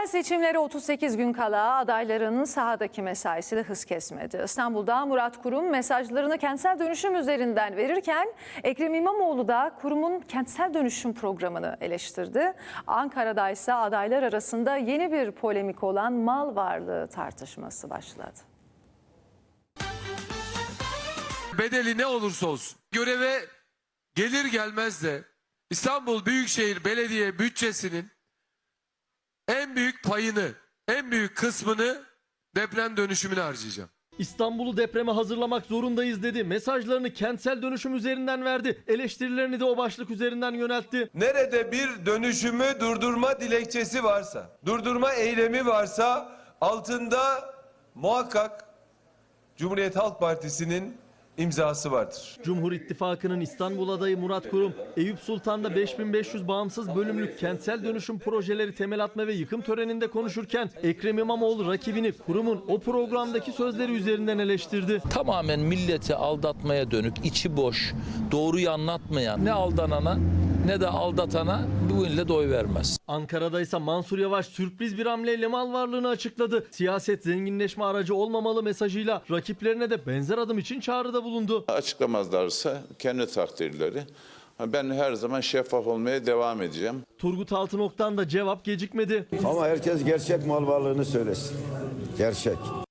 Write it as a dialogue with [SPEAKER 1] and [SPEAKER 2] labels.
[SPEAKER 1] Yerel seçimlere 38 gün kala adayların sahadaki mesaisi de hız kesmedi. İstanbul'da Murat Kurum mesajlarını kentsel dönüşüm üzerinden verirken Ekrem İmamoğlu da kurumun kentsel dönüşüm programını eleştirdi. Ankara'da ise adaylar arasında yeni bir polemik olan mal varlığı tartışması başladı.
[SPEAKER 2] Bedeli ne olursa olsun göreve gelir gelmez de İstanbul Büyükşehir Belediye bütçesinin en büyük payını, en büyük kısmını deprem dönüşümüne harcayacağım.
[SPEAKER 3] İstanbul'u depreme hazırlamak zorundayız dedi. Mesajlarını kentsel dönüşüm üzerinden verdi. Eleştirilerini de o başlık üzerinden yöneltti.
[SPEAKER 4] Nerede bir dönüşümü durdurma dilekçesi varsa, durdurma eylemi varsa altında muhakkak Cumhuriyet Halk Partisi'nin imzası vardır.
[SPEAKER 3] Cumhur İttifakı'nın İstanbul adayı Murat Kurum, Eyüp Sultan'da 5500 bağımsız bölümlük kentsel dönüşüm projeleri temel atma ve yıkım töreninde konuşurken Ekrem İmamoğlu rakibini Kurum'un o programdaki sözleri üzerinden eleştirdi.
[SPEAKER 5] Tamamen milleti aldatmaya dönük, içi boş, doğruyu anlatmayan ne aldanana ne de aldatana bu ille de oy vermez.
[SPEAKER 3] Ankara'da ise Mansur Yavaş sürpriz bir hamleyle mal varlığını açıkladı. Siyaset zenginleşme aracı olmamalı mesajıyla rakiplerine de benzer adım için çağrıda bulundu.
[SPEAKER 6] Açıklamazlarsa kendi takdirleri. Ben her zaman şeffaf olmaya devam edeceğim.
[SPEAKER 3] Turgut Altınok'tan da cevap gecikmedi.
[SPEAKER 7] Ama herkes gerçek mal varlığını söylesin. Gerçek.